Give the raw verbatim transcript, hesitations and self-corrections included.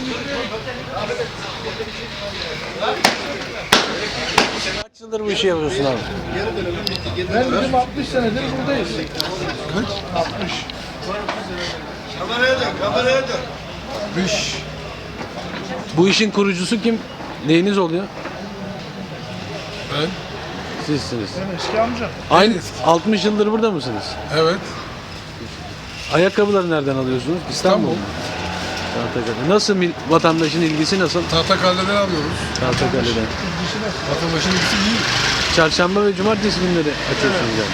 Kaç yıldır bu işi yapıyorsun abi? Ben bizim altmış senedir buradayız. Kaç? altmış. Kameraya dön, kameraya dön. altmış. Bu işin kurucusu kim? Neyiniz oluyor? Ben? Sizsiniz. Ben eski amca. Aynı altmış yıldır burada mısınız? Evet. Ayakkabıları nereden alıyorsunuz? İstanbul. İstanbul. Tahtakale. Nasıl mil- vatandaşın ilgisi nasıl? Tahtakale'den alıyoruz. Tahtakale'den. Vatandaşın ilgisi iyi. Çarşamba ve cumartesi günleri açıyorsunuz yani.